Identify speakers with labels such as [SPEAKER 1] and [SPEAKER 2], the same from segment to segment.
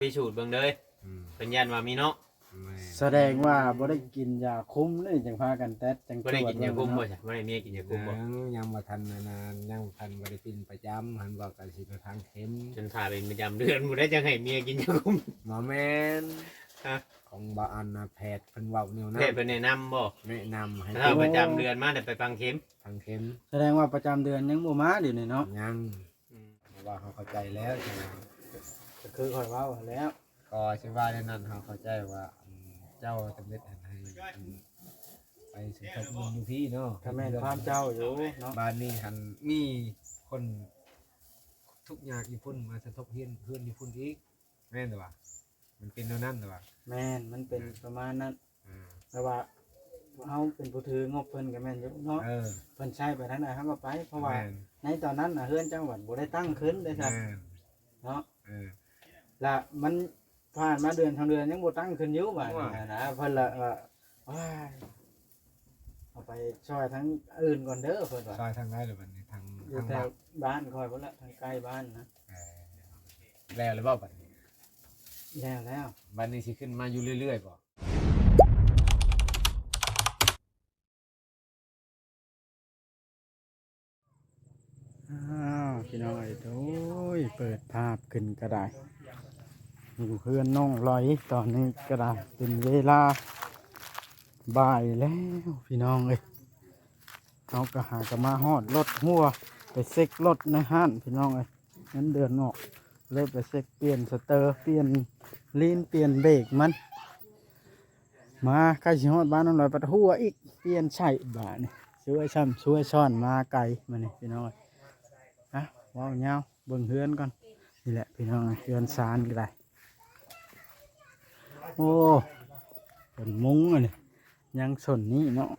[SPEAKER 1] พิสูจน์เบิ่งเลยเป็นยันว่ามีเนาะ
[SPEAKER 2] แสดงว่าบ่ได้กินยาคุมเลยจังพากันแต๊ดจัง
[SPEAKER 1] บ่ได้กินยาคุมบ่ใช่บ่ได้เมียกินยาคุมบ่
[SPEAKER 3] ยังบ่ทันนานยังทันบ่ได้กินประจำหันบอกกันสิไปทางเข็ม
[SPEAKER 1] จนถ่าเป็นประจำเดือนบ่ได้จังให้เมียกินยาคุม
[SPEAKER 3] หมอแม่น
[SPEAKER 1] ฮะ
[SPEAKER 3] ของบ่อันน่ะแพทย์เพิ่นเว้าแนวนั้น
[SPEAKER 1] แพทย์เพิ่นแนะนำบ่
[SPEAKER 3] แนะนำให้
[SPEAKER 1] ถ้าประจำเดือนมาได้ไปฟังเข็ม
[SPEAKER 3] ทางเข็ม
[SPEAKER 2] แสดงว่าประจำเดือนยังบ่มาเดี๋ยวนี้เนาะ
[SPEAKER 3] ยังว่าเขาเข้าใจแล้วใช่มั้ย
[SPEAKER 2] ก็คือข่อยเว้าแล้ว
[SPEAKER 3] ก็สิว่าในนั้นเขาเข้าใจว่าเจ้าสำเร็จให้ไปสมทบบุญอยู่พี่เนาะ
[SPEAKER 2] ถ้าแม่นความเจ้าอยู่เนาะ
[SPEAKER 3] บ้านนี้หันมีคนทุกอย่างญี่ปุ่นมาสมทบเพื่อนญี่ปุ่นอีกแม่นหรือเปล่ามันเป็นแนวนั้นหรือเปล่า
[SPEAKER 2] แม่นมันเป็นประมาณนั้นแต่ว่าเฮาเป็นผู้ถืองบเพิ่นก็แม่นอยู่เนาะเพิ่นใช้ไปทางใดเฮาก็ไปเพราะว่าในตอนนั้นน่ะเฮือนจังหวัดบ่ได้ตั้งขึ้นได้ครับเนาะละมันผ่านมาเดือนทางเดือนยังบ่ตั้งขึ้นอยู่บัดนี้นะเพิ่นละว้ายเอาไปช่วยทั้งอื่นก่อนเด้อเพิ่นว่า
[SPEAKER 3] ซอยทางไหนหรือบัดนี้ทาง
[SPEAKER 2] บ้านคอยพุ่นละทางใกล้บ้านนะ
[SPEAKER 3] แล้วหรือเปล่าบัดนี้
[SPEAKER 2] แล้ว
[SPEAKER 3] บัดนี้สิขึ้นมาอยู่เรื่อยๆบ่
[SPEAKER 2] พี่น้อยโอ้ยเปิดภาพขึ้นก็ได้อยู่เพื่อนน้องลอยตอนนี้ก็ได้เป็นเวลาบ่ายแล้วพี่น้องเอ้ยเขาก็หากมาฮอดรถหัวไปเซ็กรถในห้านพี่น้องเอ้ยนั้นเดือนออกเลยไปเซ็กเปลี่ยนสเตอร์เปลี่ยนลีนเปลี่ยนเบรกมันมาใกล้ชิฮอดบ้านน้องลอยปัดหัวอีกเปลี่ยนใช่บ้านนี่ช่วยช่ำช่วยซ่อนมาไกลมานี่พี่น้องนะว้าวเงาเบิ่งเฮือนก่อนนี่แหละพี่น้องเฮือนซานก็ได้โอ้เป็นมุ้งอ่ะนี่ยังสนนี่เนาะ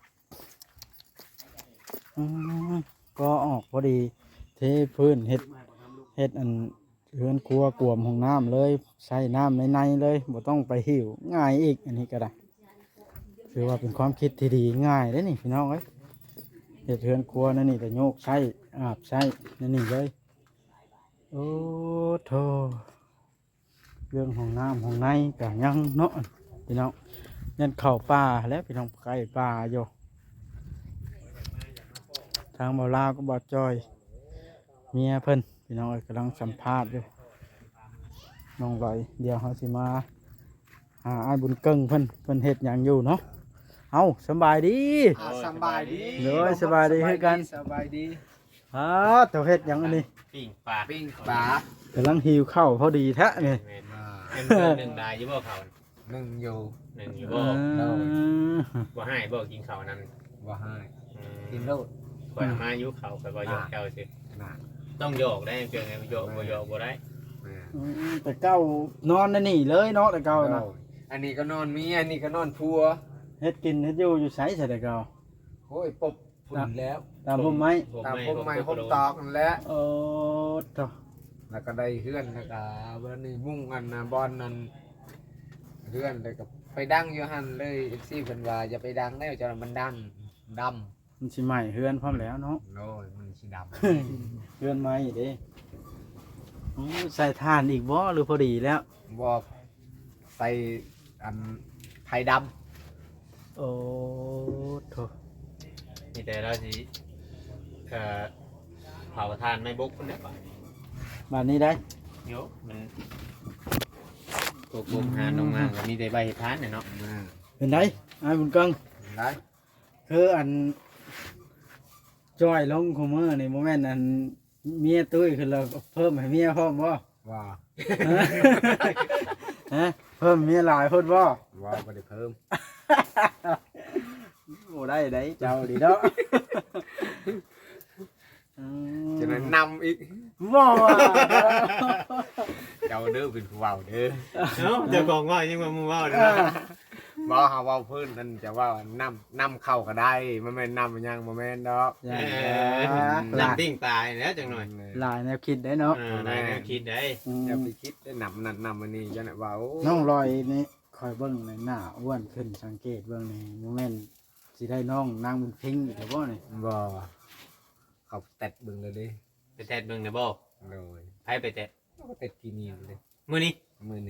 [SPEAKER 2] ก็ออกพอดีเทพื้นเฮ็ดอันเฮือนครัวกวมห้องน้ำเลยใส่น้ำในเลยบ่ต้องไปหิวง่ายอีกอันนี้ก็ได้ถือว่าเป็นความคิดที่ดีง่ายเลยนี่พี่น้องเอ้ยเฮ็ดเฮือนครัวนั่นนี่แต่โยกใช้อาบใช้นั่นนี่เลยโอ้โธ่เรื่องห้องน้ำห้องในก็ยังเนาะพี่น้องยันเข่าป่าแล้วพี่น้องใกล้ป่าอยู่ทางบ่าวลาวก็บ่าวจอยเมียเพิ่นพี่น้องกำลังสัมภาษณ์อยู่น้องลอยเดี๋ยวเขาสิมาหาอ้ายบุญเกิ้งเพิ่นเฮ็ดหยังอยู่เนาะเอาสบายดี
[SPEAKER 3] สบายดี
[SPEAKER 2] เลยสบายดีคือกัน
[SPEAKER 3] สบายดี
[SPEAKER 2] เจ้าเฮ็ดหยังอันนี้
[SPEAKER 1] ปิ้งปล
[SPEAKER 2] ากำลังหิวข้าวพอดีแท้นี่
[SPEAKER 1] เป็นหนึ่งได้อยู่บ่เขา
[SPEAKER 3] หนึ่งอยู่
[SPEAKER 1] บ่ให้บ่กินข้าวนั้น
[SPEAKER 3] บ่ให้กินโลด
[SPEAKER 1] ข่อยมาอยู่เขาข่อยบ่ยกเจ้าสิต้องโยกได้เพียงไงโยกบ่ได้
[SPEAKER 2] แต่เก้านอนนี่เลยเนาะแต่เก้านะ
[SPEAKER 3] อันนี้ก็นอนเมียอันนี้ก็นอนพัว
[SPEAKER 2] เฮ็ดกินเฮ็ดอยู่ไสใช่แต่เก้า
[SPEAKER 3] โอ้ยปบฝุ่นแล้ว
[SPEAKER 2] ตามผมไหม
[SPEAKER 3] ตามผมไม่ผมตอกนั่นแหละ
[SPEAKER 2] โอ้ต่อ
[SPEAKER 3] แล้วก็ได้เฮือนแล้วก็วันนี้มุ่งกันนะบอลนั่นเฮือนเลยก็ไปดังอยู่หั่นเลย FC เพิ่นว่าอย่าไปดังแล้วจะมันดังดำ
[SPEAKER 2] มันสิใหม่เฮือนพร้อมแล้วเนาะ
[SPEAKER 3] โอ้ยมันสิดำ
[SPEAKER 2] เฮือนใหม่เด้ใส่ถ่านอีกบ่หรือพอดีแล้ว
[SPEAKER 3] บอกใส่อันไผ่ด
[SPEAKER 2] ำโอ้โถ
[SPEAKER 1] นี่แต่เราสิเผาทานไม่บุกคนเดียว
[SPEAKER 2] บ้านนี้ได้
[SPEAKER 1] เดี๋ยวมันกบหาลงมาก็มีแต่ใบเห็ดทานเนี่ยเนาะ
[SPEAKER 2] เป็นไงไอ้บุญกัง
[SPEAKER 3] ได้
[SPEAKER 2] คืออันจอยลงคอมเมอร์ในโมเมนต์อันเมียตุ้ยคือเราเพิ่มให้เมียพร้อมบ่
[SPEAKER 3] ว่า
[SPEAKER 2] เพิ่มเมียหลายคนบ่
[SPEAKER 3] ว่าบ่ได้เพิ่ม
[SPEAKER 2] โอ้ได้เจ้าดีเนาะ
[SPEAKER 3] จะนั้นนำอีก
[SPEAKER 2] บ่
[SPEAKER 3] เจ้าเด้อเป็นผู้เว้าเด้อ
[SPEAKER 1] เจ้าของว่ายังว่ามึงว่าเด้อ
[SPEAKER 3] บ่เฮาเว้าเพิ่นนั่นจะว่านำเข้าก็ได้มันแม่นนำยังบ่แม่นดอก
[SPEAKER 1] นำปิ้งตายแล้วจังหน่อย
[SPEAKER 2] หลายแนวคิดได้เนาะ
[SPEAKER 1] หลายแนวคิดได้
[SPEAKER 3] อย่าไปคิดได้นำอันนี้จังได๋ว่าโอ้
[SPEAKER 2] น้องลอยนี่คอยเบิ่งในหน้าอ้วนขึ้นสังเกตเบิ่งนี่โมเมนต์สิได้น้องนางบุญเพ็งอีกบ่นี่
[SPEAKER 3] บ่เขาแตะเบิ่งเลยดิ
[SPEAKER 1] ไปแตะเบิ่งได้บ่
[SPEAKER 3] เลย
[SPEAKER 1] ไผไปแตะ
[SPEAKER 3] ก็แตะที่นี่เลย
[SPEAKER 1] มื้อนี้
[SPEAKER 3] มื้อนี้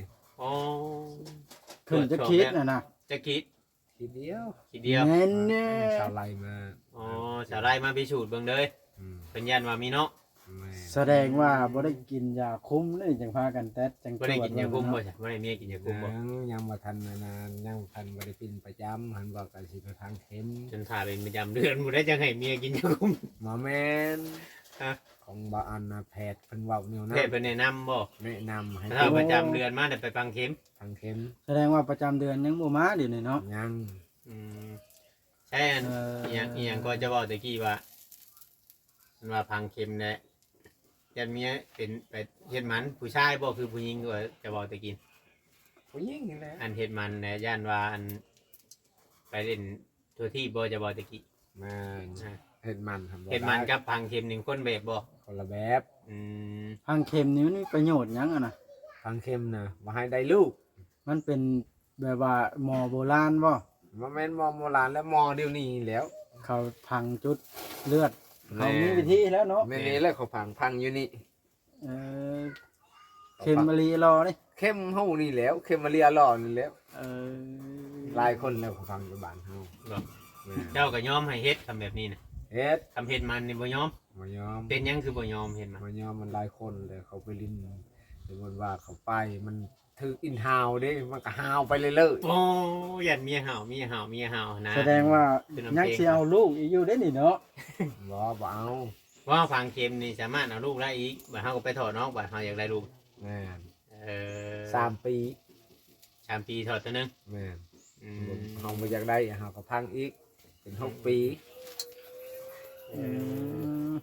[SPEAKER 1] อ๋อ
[SPEAKER 2] ขึ้นจะคิดน่ะนะ
[SPEAKER 1] จะคิด
[SPEAKER 3] ทีเดียว
[SPEAKER 1] ทีเดียว
[SPEAKER 2] เน้นเน่
[SPEAKER 3] ชาวไร่มา
[SPEAKER 1] อ๋อสาวไร่มาพิสูจน์เบิ่งเลย
[SPEAKER 3] อืม
[SPEAKER 1] เป็นยันว่ามีเนาะ
[SPEAKER 3] แม่
[SPEAKER 2] แสดงว่าบ่ได้กินยาคุ้มเลยจังพากันแต๊ดจัง
[SPEAKER 1] บ่ได้กินยาคุมบ่ใช่บ่ได้เมียกินยาคุมบ่
[SPEAKER 3] ยังบ่ทันนานยังทันบ่ได้กินประจำหันบอกกันสิไปทางเข็ม
[SPEAKER 1] จนถ่าเป็นประจำเดือนบ่ได้จังให้เมียกินยาคุม
[SPEAKER 3] หมอแม่น
[SPEAKER 1] ฮะ
[SPEAKER 3] ของบ่อันน่ะแพทย์เพิ่นเว้าแนวนั้
[SPEAKER 1] แพ
[SPEAKER 3] น
[SPEAKER 1] ทย์เพิ่นแนะนำบ่
[SPEAKER 3] แนะนำให้
[SPEAKER 1] ถ้าประจำเดือนมาได้ไปฟังเข็ม
[SPEAKER 3] ทางเข็ม
[SPEAKER 2] แสดงว่าประจำเดือนยังบ่มาเดี๋ยวนี้เนาะ
[SPEAKER 3] ยัง
[SPEAKER 1] อืมใช่อันอีหยังก็จะบอกตะกี้ว่ามันว่าพังเข็มแหละยันเมียเป็นไปเฮ็ดหมันผู้ชายบ่คือผู้หญิงก็จะบอกตะกี้
[SPEAKER 3] ผู้หญิงนี่แหละ
[SPEAKER 1] อันเฮ็ดหมันแหละย่านว่าอันไปเล่นทั่วที่บ่จะบอกตะกี้
[SPEAKER 3] แม่นเฮ็ดมันทำบ่
[SPEAKER 1] เฮ็ดหมัน
[SPEAKER 3] ได้
[SPEAKER 1] กับพังเข็มนี่คนแบบบ่
[SPEAKER 3] คนละแบบ
[SPEAKER 1] อืม
[SPEAKER 2] พังเข็มนี่มันมีประโยชน์หยังอะนะ
[SPEAKER 3] ทางเข็มน่ะบ่ให้ได้ลูก
[SPEAKER 2] มันเป็นแบบว่าหมอโบราณบ่
[SPEAKER 3] บ่แม่นหมอโบราณและหมอเดี๋ยวนี้แหล้ว
[SPEAKER 2] เขาพังจุดเลือดเขามีวิธีแล้วเนาะ
[SPEAKER 3] แม่นี่แหละเขาพังอยู่นี่
[SPEAKER 2] เออเข็มมะลีรอนี่
[SPEAKER 3] เข้มเฮานี่แหล้วเข้มมาเรียหล่อนี่แหล้ว
[SPEAKER 2] เออ
[SPEAKER 3] หลายคนแล้วเขาฟังอยู่บ้านเฮา
[SPEAKER 1] บ่
[SPEAKER 3] แม่
[SPEAKER 1] เจ้าก็ยอมให้เฮ็ดทำแบบนี้น่ะ
[SPEAKER 3] เฮ็ด
[SPEAKER 1] ทำเฮ็ดมันนี่บ่ยอม
[SPEAKER 3] บ่ยอม
[SPEAKER 1] เป็นหยังคือบ่ยอมเฮ็ดมัน
[SPEAKER 3] บ่ยอมมันหลายคนเลยเขาไปลิ้นสมมุติว่าเขาไปมันถืออินฮาวเด้มันก็ฮาวไปเรื่อย
[SPEAKER 1] โอ้ยันเมียเห่าเมียเห่าเมียเห่านะ
[SPEAKER 2] แสดงว่า
[SPEAKER 1] เป็นน้ำเพลง
[SPEAKER 2] ยังสิเอาลูกอีกอยู่ได้นี่เนาะ
[SPEAKER 3] ๆบ่เอา
[SPEAKER 1] ว่าฟังเค็มนี่สามารถเอาลูกได้อีกบ่เฮาก็ไปถอดเนาะบ่เฮาอยากได้ลูก
[SPEAKER 3] แม่น
[SPEAKER 1] เออ
[SPEAKER 3] 3 ปี
[SPEAKER 1] 3 ปีถอดตัวหนึง
[SPEAKER 3] แม่น
[SPEAKER 1] อืม
[SPEAKER 3] เฮาบ่อยากได้เฮาก็พังอีกเป็น6 ปี
[SPEAKER 2] อืม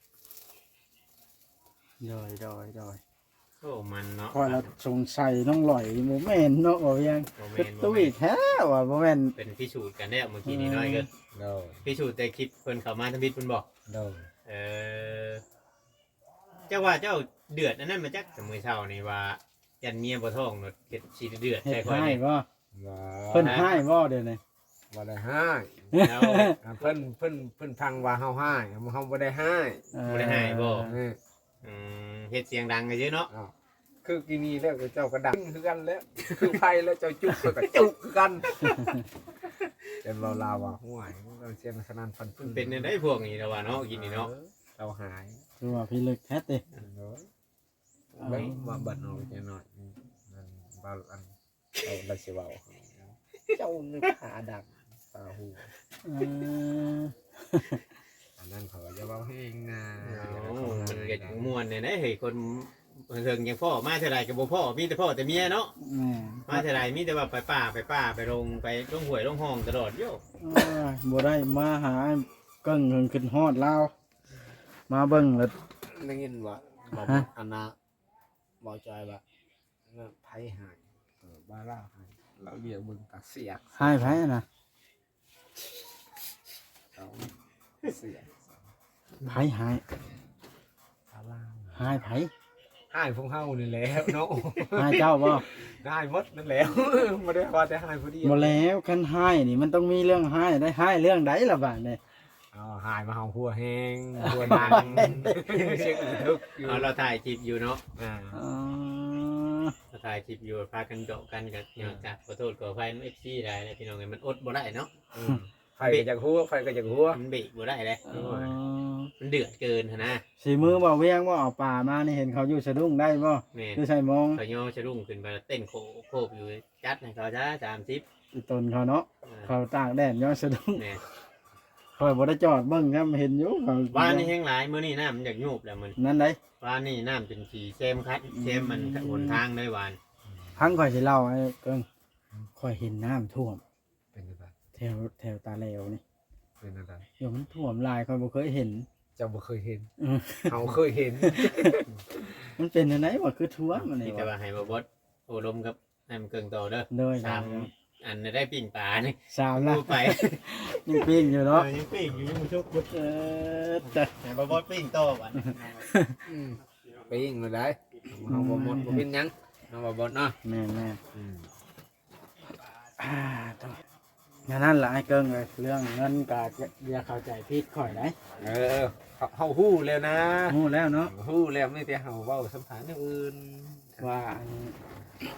[SPEAKER 2] โดย
[SPEAKER 1] โอ้มันเนาะ
[SPEAKER 2] พอเราสงสัยน้องหลอยบ่แม่นเนาะบ่ยัง
[SPEAKER 1] บ่
[SPEAKER 2] คือ
[SPEAKER 1] แม่นบ่
[SPEAKER 2] ตุ้ย
[SPEAKER 1] แม่น
[SPEAKER 2] แท้ว่าบ่แม่น
[SPEAKER 1] เป็นพิสูจน์กันแล้วเมื่อกี้นี้น้อยเกิน
[SPEAKER 3] โดย
[SPEAKER 1] พิสูจน์แต่คลิปเพิ่นเข้ามาทำบิดเพิ่นบอก
[SPEAKER 3] โดย
[SPEAKER 1] เออเจ้าว่าเจ้าเดือดอันนั้นมาจักแต่มื้อเช้านี่ว่ายันเมียบ่ท้องเนาะเฮ็ดสิเดือด
[SPEAKER 2] เฮ็
[SPEAKER 1] ใช่
[SPEAKER 2] ด
[SPEAKER 1] ค่อย
[SPEAKER 2] ให้
[SPEAKER 1] นี่
[SPEAKER 2] บ่
[SPEAKER 3] บ่
[SPEAKER 2] เพิ่นให้บ่เดี๋ยวนี้
[SPEAKER 3] บ่ได้ให้
[SPEAKER 1] แล้ว
[SPEAKER 3] เพิ่นพังว่าเฮาให้เฮาบ่ได้ให้
[SPEAKER 1] บ่ได้ให้บ่
[SPEAKER 3] นี่
[SPEAKER 1] อืมเฮ็ดเสียงดังกันเยอะเนาะ
[SPEAKER 3] อ้าวคือกินนี่แล้วเจ้าก็ดังคือกันแล้ว คือไผแล้วเจ้าจุกก็จุกคือกันแต่เราลาวว่าห่วยเราเสียงสนั่นฟัน
[SPEAKER 1] มันเป็นได้พวกนี้แล้วว่าเนาะกินนี่เนาะ
[SPEAKER 3] เราหาย
[SPEAKER 2] คือว่าพี่ลึกแท้ติ
[SPEAKER 3] เนาะเบิ่งมาบัดเนาะจังหน่อยนั่นบ่อันเอาได้สิเว้าเจ้านึกหาดังตาหู
[SPEAKER 2] เออ
[SPEAKER 3] อันนั้นเขาจะเว้าให้นะ
[SPEAKER 1] มันเก็ดม่วนเนี่ยนะเฮ้ยคนเฮิงยังพ่อมาเท่าไรกับบ่พ่อมีแต่พ่อแต่เมียเนาะ
[SPEAKER 2] แม่
[SPEAKER 1] มาเท่าไรมีแต่ว่าไปป่าไปลงหวยลงห้องตลอดโย
[SPEAKER 2] โอ้ยบ่ได้มาหาเกิ้งเฮิงขึ้นฮอดลาวมาเบิ่งแล้ว
[SPEAKER 3] ได้ยินว่าบอกอันน่ะบอกจอยว่าไผหายบ้าล่าหายเราเรียกมึงตาเสียก
[SPEAKER 2] ให้ไผน่ะ
[SPEAKER 3] เอาเสียก
[SPEAKER 2] ไผให้
[SPEAKER 3] บ้าล่า
[SPEAKER 2] ให้ไผ
[SPEAKER 3] หายพวกเฮานี่แหล้วเนาะ
[SPEAKER 2] ให้เจ้าบ่
[SPEAKER 3] ได้หมดนั่นแหล้วบ่ได้ว่าแต่หายผู้เดียว
[SPEAKER 2] บ่แล้วคันให้นี่มันต้องมีเรื่องให้ได้ให้เรื่องใดล่ะบาดนี้
[SPEAKER 3] อ๋อหายมาเฮาหัวแห้งหัวดังเช็คทุกอยู่
[SPEAKER 1] เอาเราถ่ายคลิปอยู่เนาะ
[SPEAKER 3] อ่า
[SPEAKER 2] อ๋อ
[SPEAKER 1] เราถ่ายคลิปอยู่พากันเจาะกันกับเนี่ยจ้ะขอโทษขออภัยเอฟซีได้เลยพี่น้องมันอดบ่ได้เนาะ
[SPEAKER 3] ไฟก็จากหัวไฟก็จากหัว
[SPEAKER 1] มันเบรกบ่ได้เลย
[SPEAKER 2] อ๋อ
[SPEAKER 1] มันเดือดเกินนะ
[SPEAKER 2] สีมือบ่เวียงบ่เอาป่ามานี่เห็นเขาอยู่สะดุ้งได้บ่
[SPEAKER 1] แม่
[SPEAKER 2] คือใส่มอง
[SPEAKER 1] ขย่อชะรุ่งขึ้นไปเต้นโคบอยู่จัดให้เขาจ้า30
[SPEAKER 2] อีตนเขาเนาะเขาตากแดดย้อนสะดุ้ง
[SPEAKER 1] แม่
[SPEAKER 2] คอยบ่ได้จอดเบิ่งครับเห็นอยู่เขา
[SPEAKER 1] ว่านี่แห้งหลายมื้อนี้น้ำมันอยากยูบแล้วมัน
[SPEAKER 2] นั่นได้
[SPEAKER 1] ว่านี่น้ำเป็นขี่เซมคัดเซมมันหนทางได้หวาน
[SPEAKER 2] พังข่อยสิเล่าให้เกิงข่อยเห็นน้ำท่วม
[SPEAKER 3] เป็นอะไร
[SPEAKER 2] แถวตาแลวนี่
[SPEAKER 3] เป็นอะไร
[SPEAKER 2] เดี๋ยวมันท่วมหลายข่อยบ่เคยเห็น
[SPEAKER 3] เจ้าบ่เคยเห็น
[SPEAKER 2] อืม
[SPEAKER 3] เฮาเคยเห็น
[SPEAKER 2] มันเป็นจังไดบ่คือท่วมอันนี้
[SPEAKER 1] ที่แต่
[SPEAKER 2] วะ
[SPEAKER 1] ว่าให้บ่บดโอ้ลมกับให้มันเกิงโตเด้อ
[SPEAKER 2] โดย
[SPEAKER 1] สามอันได้ปิ่งปลานี่
[SPEAKER 2] สามละ
[SPEAKER 1] ดูไป
[SPEAKER 2] ยังปิ้งอยู่เนาะ
[SPEAKER 1] ยังปิ่งอยู่ยังชุกบุด
[SPEAKER 2] แต่
[SPEAKER 1] ให้บ่บดปิ่งโตบัด
[SPEAKER 3] ไปยิงเลยได้เฮาบ่หมดบ่เป็นหยังเฮาบ่บ่เนาะ
[SPEAKER 2] แม่นต้องงั้นนั่นล่ะไอ้เกิงเลยเรื่องเงินก็อย่าเข้าใจผิดข่อยได้
[SPEAKER 3] เฮาฮู้แล้วนะ
[SPEAKER 2] ฮู้แล้วเนาะ
[SPEAKER 3] ฮู้แล้วไม่แต่เฮาเว้าสัมภาษณ์อย่างอื่น
[SPEAKER 2] ว่าอัน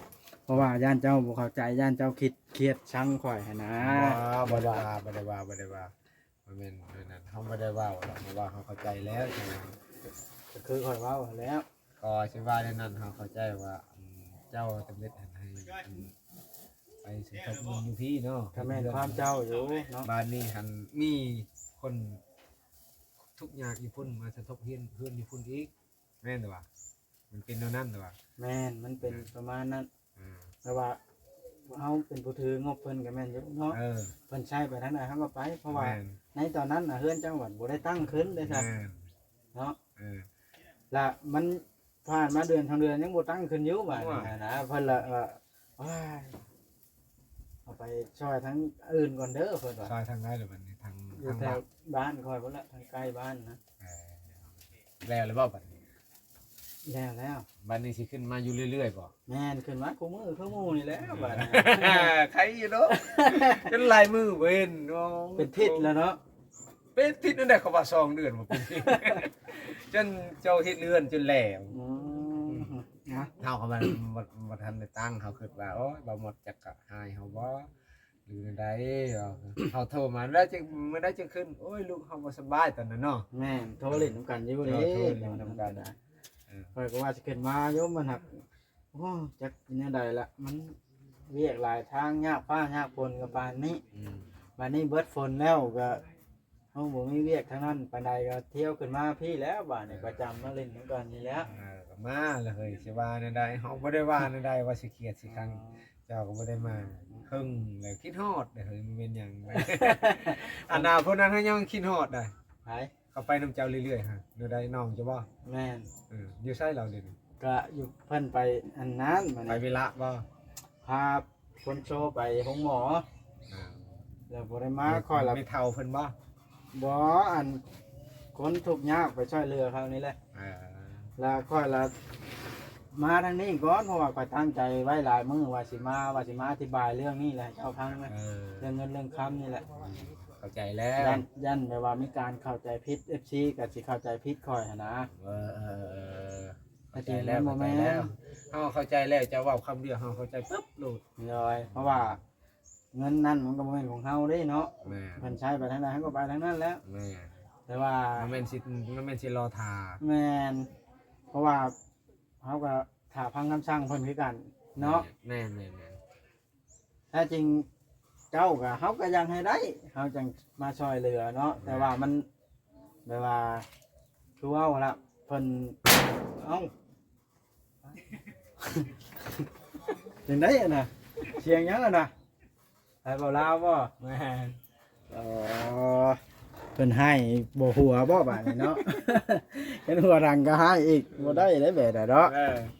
[SPEAKER 2] เพราะว่าย่านเจ้าบ่เข้าใจย่านเจ้าคิดเครียดชังข่อยหั้นนะ
[SPEAKER 3] บ่ได้ว่าบ่แม่นนั่นเฮาบ่ได้ว่าหรอกเพราะว่าเฮาเข้าใจแล้วใช่ไหม
[SPEAKER 2] ก็คือข่อยเว้าแล้ว
[SPEAKER 3] ก็สิว่าในนั้นเฮาเข้าใจว่าเจ้าจำเป็นให้ไปสมทบเงินอยู่พี่เนาะ
[SPEAKER 2] ถ้าแม่นความเจ้าอยู่เนาะ
[SPEAKER 3] บ้านนี้หันมีคนทุกอย่างอีพุ่นมาสมทบเพื่อนอีพุ่นอีกแม่นแต่ว่ามันเป็นเท่านั้นแต่ว่า
[SPEAKER 2] แม่นมันเป็นประมาณนั้น
[SPEAKER 3] อ่า
[SPEAKER 2] แต่ว่าเฮาเป็นผู้ถืองบเพิ่นก็แม่นอยู่เนาะ
[SPEAKER 3] เออ
[SPEAKER 2] เพิ่นใช้ไปทางใดเฮาก็ไป เพราะว่า
[SPEAKER 3] แม่น
[SPEAKER 2] ในตอนนั้นน่ะเฮือนจังหวัดบ่ได้ตั้งขึ้นเด้ครับ
[SPEAKER 3] แม่น
[SPEAKER 2] เนาะ
[SPEAKER 3] เออ
[SPEAKER 2] และมันผ่านมาเดือนทางเดือนยังบ่ตั้งขึ้นอยู่บาดนี้
[SPEAKER 3] ว่า
[SPEAKER 2] นะเพิ่นละว้ายเอาไปช่วยทั้งอื่นก่อนเด้อเพิ่นว่า
[SPEAKER 3] ซอยทางไหนหรือมันทาง
[SPEAKER 2] อยู่
[SPEAKER 3] ทาง
[SPEAKER 2] แถ
[SPEAKER 3] บ้า
[SPEAKER 2] วน บ้านคอยพุ่นละทางใกล้บ้านนะ
[SPEAKER 3] เออแล้วหรือเปล่าบัดนี้
[SPEAKER 2] แล้ว
[SPEAKER 3] บัดนี้สิขึ้นมาอยู่เรื่อยๆบ่
[SPEAKER 2] แม่นขึ้นมาคู่มือคู่หมู่นี่แหล้วบาดนี้
[SPEAKER 3] ใครอยู่เนาะจนลายมือเว้นโอ้
[SPEAKER 2] เป็นทิศแล้วเนาะ
[SPEAKER 3] เป็นทิศนั่นแหละเขาว่า2เดือนบ่เป็นทิศ จนเจ้าเฮ็ดเรือนจนแหลว
[SPEAKER 2] อืมนะ
[SPEAKER 3] เฮาก็มันบ่ทันได้ตั้งเขาคิดว่าโอ้ยบ่หมดจักกะหายเฮาบ่หรือใดเฮาโทรมาแล้วจึงมื้อใดจึงขึ้นโอ้ยลูกเฮาบ่สบายตอนนั้นเนาะ
[SPEAKER 2] แม่นโทรเล่นนํกันอยู่เด้
[SPEAKER 3] โทรเล่นนำกัน
[SPEAKER 2] นะ
[SPEAKER 3] เออ
[SPEAKER 2] ข้อยก็ว่าสิขึ้นมาโยมมันหักโอ้จักเป็นจังไดละมันเวียกหลายทางยากฟ้ายากฝนก็ปานนี้
[SPEAKER 3] อืม
[SPEAKER 2] วันนี้เบิดฝนแล้วก็เฮาบ่มีเวียกทางนั้นปานใดก็เที่ยวขึ้นมาพี่แล้วบ้านนี่ประจำมาเล่นกันนี่แหล้ว
[SPEAKER 3] ก็มาแล้วเฮ้ยสิว่าแนวใดเฮาบ่ได้ว่าแนวใดว่าสิเครียดสิครั้งเจ้าก็บ่ได้มาครึ่งแล้วคิดฮอดเด้อเฮ้ยมันเป็นหยัง อนาคตนั้นเฮายังคิดฮอดได้
[SPEAKER 2] ไป
[SPEAKER 3] เขาไปนํเจ้าเรื่อยๆฮะแนวใดน้องจะบ่
[SPEAKER 2] แม่น
[SPEAKER 3] อยู่ไสเราเดี๋ยวนี้
[SPEAKER 2] ก็อยู่เพิ่นไปอันนั้นมัน
[SPEAKER 3] ไปเวลาบ่
[SPEAKER 2] พาคนโชว์ไปห้องหมอ
[SPEAKER 3] อ่า
[SPEAKER 2] แล้วบ่ได้มาคอยละ
[SPEAKER 3] ไม่เท่าเพิ่นบ่
[SPEAKER 2] บ่อันคนทุกข์ยากไปช่วยเหลือเขานี่แหละ
[SPEAKER 3] อ่า
[SPEAKER 2] แล้วคอยละมาทางนี้ก่อนเพราะว่าคอยตั้งใจไว้หลายมื้อว่าสิมาอธิบายเรื่องนี้แหละเจ้าพังไหม เรื่องเงินเรื่องคำนี่แหละ
[SPEAKER 3] เข้าใจแล้ว
[SPEAKER 2] ยันแบบว่ามีการเข้าใจผิด FC กับสิเข้าใจผิดคอยหั่นนะ
[SPEAKER 3] เข้าใจแล้วเข้าใจแล้วเฮาเข้าใจแล้วจะเว้าคำเดียวเฮาเข้าใจปึ๊บโลด
[SPEAKER 2] เลยเพราะว่าเงินนั่นมันก็บ่แม่นของเฮาเด้เนาะ
[SPEAKER 3] แม่
[SPEAKER 2] เพิ่นใช้ไปทางใดเฮาก็ไปทางนั้นแล้ว
[SPEAKER 3] แม่
[SPEAKER 2] แต่ว่า
[SPEAKER 3] มันแม่นสิรอทา
[SPEAKER 2] แม่นเพราะว่าเฮาก็ถ้าพังคำสั่งเพิ่นคือกันเนาะ
[SPEAKER 3] แม่น
[SPEAKER 2] ถ้าจริงเจ้าก็เฮาก็ยังให้ได้เฮาจังมาช่วยเหลือเนาะแต่ว่ามันแบบว่าคือเว้าละเพิ่นเอ้า จังได๋อะน่ะเสียงหยังอะน่ะให้เว้าลาวบ่
[SPEAKER 3] แม่น
[SPEAKER 2] อ๋อเพิ่นให้บ่หัวบ่บาดนี้เนาะ เห็นหัวรังก็ให้อีกบ่ได้ได้แบบใดเนาะ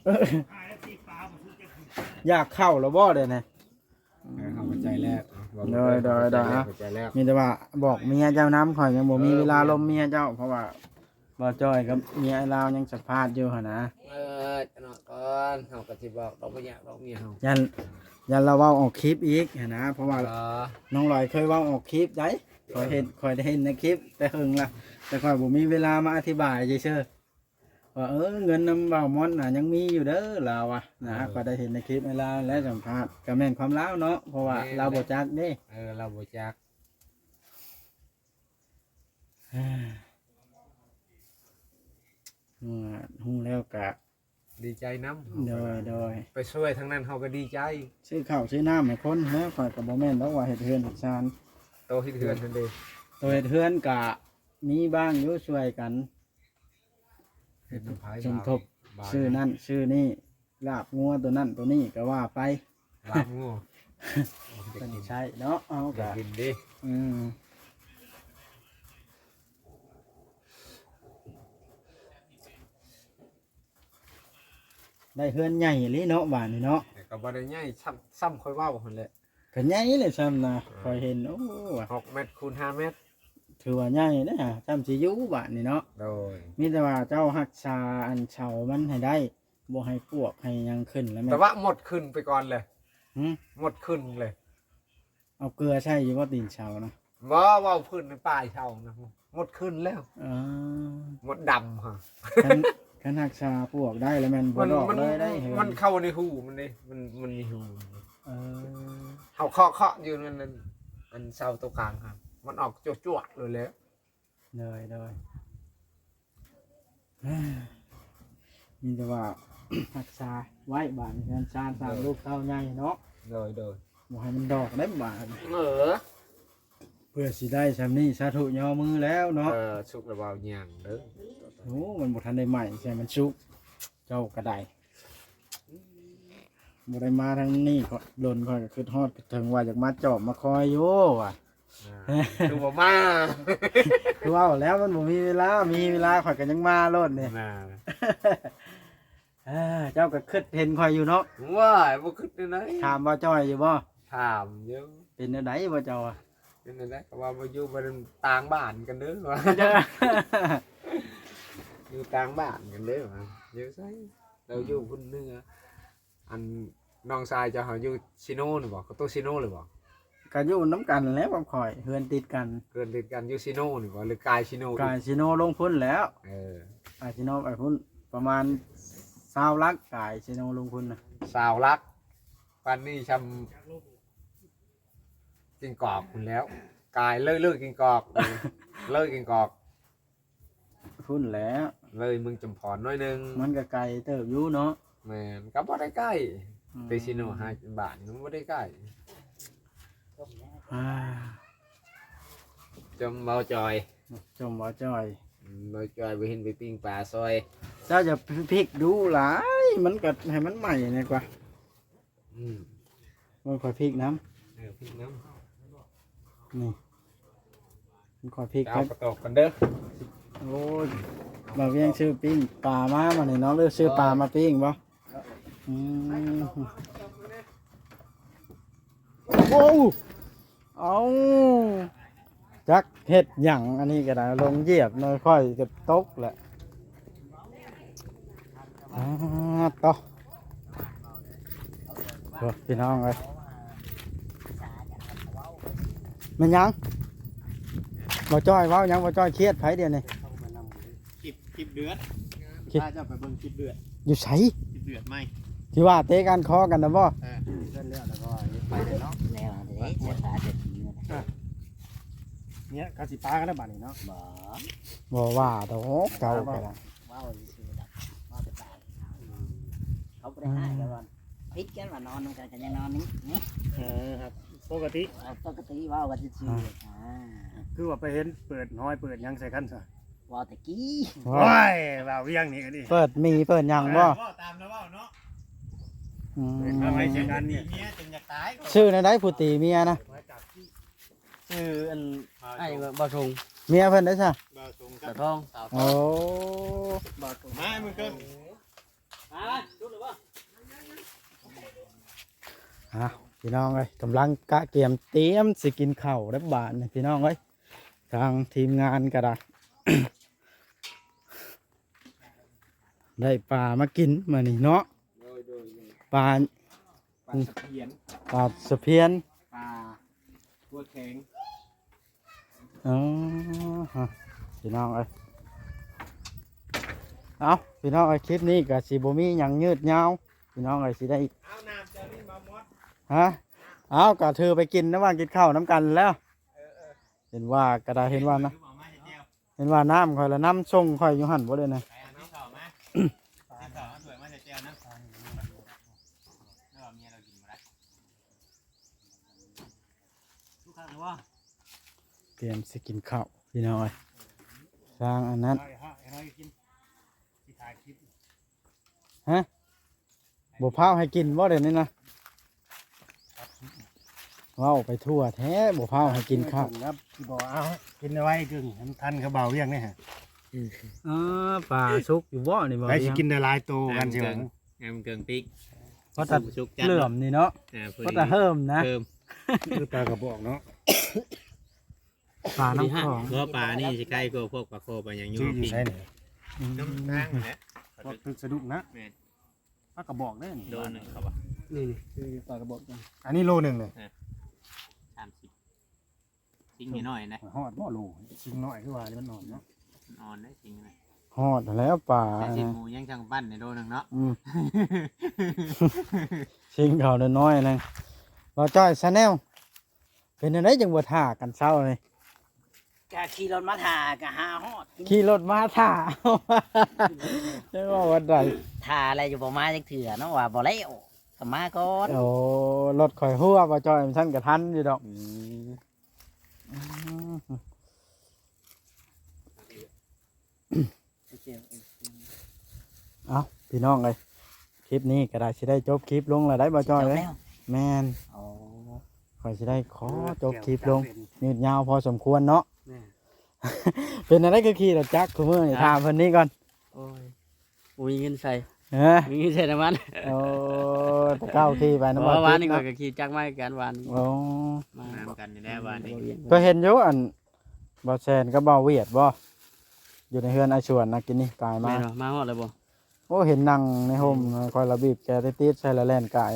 [SPEAKER 2] อยากเข้าแล้วบ่เด้นะ
[SPEAKER 3] เข้าใจแล้ว
[SPEAKER 2] เข้าใจแล้ว มีแต่ว่าบอกเมียเจ้าน้ำข่อยยังบ่มีเวลาลมเมียเจ้าเพราะว่าบ่จ้อยกับเมียไอ้ลาวยังสัมภาษณ์อยู่หั่นนะ
[SPEAKER 3] จะนอนก่อนเฮาก็สิบอกดอกบ่อยากดอกเมียเฮา
[SPEAKER 2] ยันเราเว้าออกคลิปอีกหั่นนะเพราะว่าน้องลอยเคยเว้าออกคลิปได้ข่อยได้เห็นในคลิปแต่หึงละแต่ข่อยบ่มีเวลามาอธิบายเฉยๆว่าเงินนำเว้ามอนน่ะยังมีอยู่เด้อลาวอ่ะนะข่อยได้เห็นในคลิปไอ้ลาวและสัมภาษณ์ก็แม่นความลาวเนาะเพราะว่าเราบ่จักเด้
[SPEAKER 3] เราบ่จัก
[SPEAKER 2] ฮู้แล้วก็
[SPEAKER 3] ดีใจนำ
[SPEAKER 2] โดย
[SPEAKER 3] ไปช่วยทั้งนั้นเฮาก็ดีใจ
[SPEAKER 2] ซื้อข้าวซื้อน้ำให้คนนะข่อยก็บ่แม่นดอกว่าเฮ็ดเฮือนเฮ็ดชาน
[SPEAKER 3] โตเฮ็ดเฮือนนั่นเด้
[SPEAKER 2] ตัวเฮ็ดเฮือนก็มีบ้างอยู่ช่วยกัน
[SPEAKER 3] เฮ็ดน้ำพาย
[SPEAKER 2] สมทบซื้อนั่นซื้อนี่ลาบงัวตัวนั่นตัวนี้ก็ว่าไป
[SPEAKER 3] ลาบงู
[SPEAKER 2] เพิ่นใช้เนาะเอา
[SPEAKER 3] อยา
[SPEAKER 2] ก็
[SPEAKER 3] กกินดิ
[SPEAKER 2] อืมได้เฮือนใหญ่อีหลีเนาะบ้านนี่เนาะ
[SPEAKER 3] แต่ก็บ่ได้ใหญ่ซ้ำค่อยเว้าหั่นแหละ
[SPEAKER 2] ก็ใหญ่เลยซ้ำนะข่อยเห็นโอ้ว่ะ
[SPEAKER 3] 6เมตรคูณ5เมตร
[SPEAKER 2] ถือว่าใหญ่เด้อซ้ำสิอยู่บ้านนี่เนาะ
[SPEAKER 3] โดย
[SPEAKER 2] มีแต่ว่าเจ้ารักษาอันเฉามันให้ได้บ่ให้ปวกให้หยังขึ้นแล้วแม่
[SPEAKER 3] แต่ว่าหมดขึ้นไปก่อนเลย
[SPEAKER 2] หึ
[SPEAKER 3] หมดขึ้นเลย
[SPEAKER 2] เอาเกลือใช่อยู่ว่าตีนเฉานะ
[SPEAKER 3] ว่าว่าพื้นในป่าเช่านะหมดขึ้นแล้ว
[SPEAKER 2] อ่า
[SPEAKER 3] หมดดำฮะ
[SPEAKER 2] คันคันรักษาพวกได้แล้วมันบ่ดอกเลยได้เห็
[SPEAKER 3] มันเข้าในหูมันเลยมันมีหู
[SPEAKER 2] เออ
[SPEAKER 3] เขาเคาะอยู่นั่นอันเสาตัวกลางครับมันออกจั่วๆเลยแล้ว
[SPEAKER 2] เลยมีแต่ว่า รักษาไว้บานงานชาญสร้างลูกเต้าใหญ่เนาะ
[SPEAKER 3] โดย
[SPEAKER 2] บ่ให้มันดอกได้บาน
[SPEAKER 3] อ
[SPEAKER 2] เพื่อสิได้ซำนี้สาธุย่อมือแล้วเนาะ
[SPEAKER 3] สุกระเบาหย่างเด้อ
[SPEAKER 2] โอ้มันบ่ทันได้ใหม่ใช่มันสุกเจ้าก็ได้บ่ได้มาทางนี้ก็โดนค่อยก็คิดฮอดถึงว่าอยากมาจอบมาคอยอยู่ว่ะ
[SPEAKER 3] ดูบ่มา
[SPEAKER 2] คือว่าแล้วมันบ่มีเวลาข่อยก็ยังมาโลดนี่
[SPEAKER 3] น่า
[SPEAKER 2] เจ้าก็คิดเห็นข่อยอยู่เนาะ
[SPEAKER 3] ว้ายบ่คิดได้ไหน
[SPEAKER 2] ถามว่าจ้อยอยู่บ่
[SPEAKER 3] ถามเยอะ
[SPEAKER 2] เป็นจังไดบ่เจ้าอะ
[SPEAKER 3] เป็นไงก็ว่ามาอยู่บ้านต่างบ้านกันเด้อว่าอยู่ต่างบ้านกันเด้อว่าอยู่ไสเราอยู่พุ่นเหนืออันน้องชายจะเฮาอยู่ซิโนนี่บ่ก็โตซิโนเลยบ่
[SPEAKER 2] ก็อยู่น้ำกันแหล้วกับข่อยเฮือนติดกัน
[SPEAKER 3] เกินติดกันอยู่ซิโนนี่บ่หรือกายซิโน
[SPEAKER 2] กายซิโนลงพุ่นแล้ว
[SPEAKER 3] เออก
[SPEAKER 2] ายซิโนไปพุ่นประมาณ20ลักกายซิโนลงพุ่นน่ะ
[SPEAKER 3] สาวรักปานนี้ชำกินกอกพุ่นแล้ว กายเลิกกินกอกเลิกกินกอก
[SPEAKER 2] พุ่นแล้ว
[SPEAKER 3] เลยมึงจำพรน้อยนึง
[SPEAKER 2] มันก็ไกลเติบอยู่เนาะ
[SPEAKER 3] แม่นก็บ่ได้ใกล้ไปซิโน5 บาทมันบ่ได้ใกล้
[SPEAKER 2] อ่า
[SPEAKER 3] จมเบาจอย
[SPEAKER 2] จมบ่จ้อย
[SPEAKER 3] เบาจอยไปเห็นไปปิ้งปลาซอย
[SPEAKER 2] เจ้าจะพลิกดูหลายมันก็ให้มันใหม่นี่กว่า
[SPEAKER 3] อืม
[SPEAKER 2] มันค่อยพลิกน้
[SPEAKER 3] ปิ้งน้
[SPEAKER 2] ำนี่มันค่อยพลิก
[SPEAKER 3] ำ
[SPEAKER 2] ค
[SPEAKER 3] เอา
[SPEAKER 2] รับ
[SPEAKER 3] กระตกกันเด้อ
[SPEAKER 2] โอ้ยเราเรียงชื่อปิ้งปลามามาเนี่ยเนาะเลือกชื่อปลามาปิ้งบ่อืมโอ้เอาจักเห็ดหยังอันนี้ก็ได้ลงเหยียบน้อยค่อยจะตกแหละต่อโอ้พี่น้องเลยมันยังบ่จ้อยเว้ายังบ่จ้อยเครียดไผเดียวนี่
[SPEAKER 1] คลิปเดือด
[SPEAKER 2] คลิป
[SPEAKER 1] ถ้าจะไปเบิ่งคลิปเดือด
[SPEAKER 2] อยู่ไส
[SPEAKER 1] คลิปเดือดไหม
[SPEAKER 2] ที่ว่าเตะกันคอกันนะบ่
[SPEAKER 1] เส้นเลือดแล้วก็ไปเลยเนาะ
[SPEAKER 4] แล้วเด้เสียขาเด็ดเนี่ย
[SPEAKER 1] เนี่ยกาสิปากันแล้วบัดนี้เนาะ
[SPEAKER 4] บ่
[SPEAKER 2] บ่ว่าดอกเก่าก็ได้
[SPEAKER 4] ว้าวซื่อๆดอกว้าวไปตายเขาบ่ได้ให้กันว่าพิษกันว่านอนนำกันยังนอนนี่
[SPEAKER 1] ครับปกติ
[SPEAKER 4] ปกติว้าวกันซื่อๆ
[SPEAKER 1] คือว่าไปเห็นเปิดน้อยเปิดยังใส่กันซะ
[SPEAKER 4] ว้าวตะกี้
[SPEAKER 2] ว่า
[SPEAKER 1] ว่าเวียงนี่ก็ดิ
[SPEAKER 2] เปิดมีเปิดหยังบ่
[SPEAKER 1] ตามแล้วเนาะ
[SPEAKER 2] อืม
[SPEAKER 1] ทำไมเสียงกันเนี่ยเมียจนอยากตาย
[SPEAKER 2] ชื่อในใดผู้ตีเมียนะ
[SPEAKER 4] ชื่ออันไอ้บ่ทง
[SPEAKER 2] เมียเพิ่นได้ซะ
[SPEAKER 1] บ่ตรง
[SPEAKER 4] บ่
[SPEAKER 1] กับ
[SPEAKER 4] ทง
[SPEAKER 2] โอ้
[SPEAKER 1] มามึงเกิน
[SPEAKER 2] พี่น้องเอ้ยกำลังกะเกียมเตรียมสิกินข้าวแล้วบาดนี่พี่น้องเอ้ยทางทีมงานก็ได้ ได้ปลามากินมื้อนี้เนาะปลา
[SPEAKER 1] ปลาสะเพียน
[SPEAKER 2] ปลาสะเพียน
[SPEAKER 1] ปลาตัวแข็ง
[SPEAKER 2] อ๋อฮะพี่น้องเอ้ยเอาพี่น้องเอ้ยคลิปนี้ก็สิบ่มีหยังยืดยาวพี่น้องเอ้ยสิได้
[SPEAKER 1] เอาน้ำเจ้านี่มามด
[SPEAKER 2] ฮะเอาก็เธอไปกินนะว่ากินข้าวน้ำกันแล้วเห็นว่าก็ได้เห็นว่านะเห็นว่าน้ำค่อยละน้ำส่งค่อยอยู่หั่นบ่เลยนะ
[SPEAKER 1] ไปเอาน้ำเข่ามาน้ำเข่าเอาถ้วยมาใส่แก้วนะแล้วเมียเรากินมาได้ทุกครั้งว่า
[SPEAKER 2] เตรียมสิกินข้าวพี่น้องเอ้ยสร้างอันนั้นฮะบ่พาวให้กินบ่เดี๋ยวนี้นะเว้าไปทั่วแท้บ่พาวให้กินข้าว
[SPEAKER 5] ครับที่บอกเอากินเอาไว้กึ่งให้มันทันเขาเบาเรียงนี่ฮะ
[SPEAKER 2] ปลาสุกอยู่บ่นี่บ่
[SPEAKER 5] ไปสิกินได้หลายโตกันใช่ไหม
[SPEAKER 1] งามเกิงปิ๊ก
[SPEAKER 2] เพราะแต่
[SPEAKER 1] ชุก
[SPEAKER 2] เหลื่อมนี่เนาะเพราะแต่เฮิมนะ
[SPEAKER 1] เพิ่ม
[SPEAKER 5] คือปลากระบอกเนาะ
[SPEAKER 2] ปลาน้ำของ
[SPEAKER 1] เพราะปลานี่จะใกล้กว่าพวกปลาโคปลาอย่างยุ่
[SPEAKER 5] ชื่อง อยู่
[SPEAKER 1] ปิ๊ก
[SPEAKER 5] ใช่ไหน
[SPEAKER 1] น้ำตั้งนะ
[SPEAKER 5] พวกตึกสะดุกนะ
[SPEAKER 1] แม่น
[SPEAKER 5] ปลากระบอกได้นี่
[SPEAKER 1] โดนหนึ่งครับว่า
[SPEAKER 5] นี่
[SPEAKER 2] คือปลากระบอก
[SPEAKER 5] อันนี้โลหนึ่งเลย
[SPEAKER 1] 30ทิ้งนิดหน่อยนะ
[SPEAKER 5] ฮอดบ่โลชิ้นน้อยคือว่านี่มันนอนเนาะ
[SPEAKER 1] นอนได้ทิ้งนะ
[SPEAKER 2] ฮอดแล้วป่า
[SPEAKER 1] แต่ชิ้นหมูยังช่างปั้นในโลนึงเนาะ
[SPEAKER 2] อืม ชิงเขาน้อยๆนึงบ่จ้อยซะแนวเป็นจังไดจังบ่ท่ากันเช้าเลย
[SPEAKER 4] กะขี่รถมาถ่ากะหาฮอด
[SPEAKER 2] ขี่รถมาท่า จะว่าวันใด
[SPEAKER 4] ถ่าอะไรอยู่บ่มาจักเถื่อเนาะว่าบ่แล้วก็มาก่อน
[SPEAKER 2] โอ้รถข่อยหัวบ่จ้อยมันซั่นก็ทันอยู่ดอกเอ้าพี่น้องเอ้ยคลิปนี้ก็ได้สิได้จบคลิปลงแล้วได้บ่จ้อยเอ้ย
[SPEAKER 4] แล้ว
[SPEAKER 2] แม่น
[SPEAKER 4] โอ้
[SPEAKER 2] ข่อยสิได้ขอจบคลิปลงยืดยาวพอสมควรเนาะ
[SPEAKER 5] แม่
[SPEAKER 2] เป็นอะไรก็ขี่รถจักรคุมือนี่ถามเพิ่นนี้ก่อน
[SPEAKER 6] โอ้ยบ่มีเงินใส่
[SPEAKER 2] เออ
[SPEAKER 6] มีเงินใส่น้ำมัน
[SPEAKER 2] โอ้ตะเก้าขี่ไป
[SPEAKER 6] เพ
[SPEAKER 2] น้ำ
[SPEAKER 6] ราะ
[SPEAKER 2] มัน
[SPEAKER 6] ว่าวันนี้
[SPEAKER 2] เนาะ
[SPEAKER 6] ก็ขี่จักรมากันวัน
[SPEAKER 2] โอ้
[SPEAKER 6] มา
[SPEAKER 1] น้ำกันอยู่แล้ววันนี้
[SPEAKER 2] ก็เห็นอยู่อันบ่แซนก็บ่เวียดบ่อยู่ในเฮือนอาชวนนะกินนี่กายมา
[SPEAKER 6] แม่นบ่มาฮอดเลยบ่
[SPEAKER 2] โอ้เห็นนั่งในโฮมคอยระบีบแกติดๆใส่ละแล่นกาย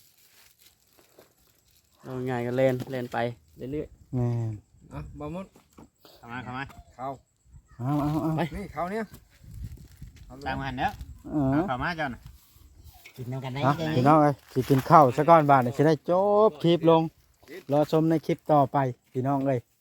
[SPEAKER 6] เอาง่ายก็เล่นไปเรื่อย
[SPEAKER 2] แม่น
[SPEAKER 3] อ่ะบ่มุด
[SPEAKER 1] เข้ามาเข้ามา
[SPEAKER 3] เข้า
[SPEAKER 2] เอา
[SPEAKER 3] นี่เข้าเนี่ย
[SPEAKER 1] ตามมาหันเด้อ
[SPEAKER 2] เออ
[SPEAKER 1] เข้ามาเจ้าน่ะ
[SPEAKER 4] กินน้ำกันได้
[SPEAKER 2] นะ
[SPEAKER 4] ยังไง
[SPEAKER 2] พี่น้องเอ้ยสิกินข้าวซะก่อนบาดนี้สิได้จบคลิปลงรอชมในคลิปต่อไปพี่น้องเอ้ย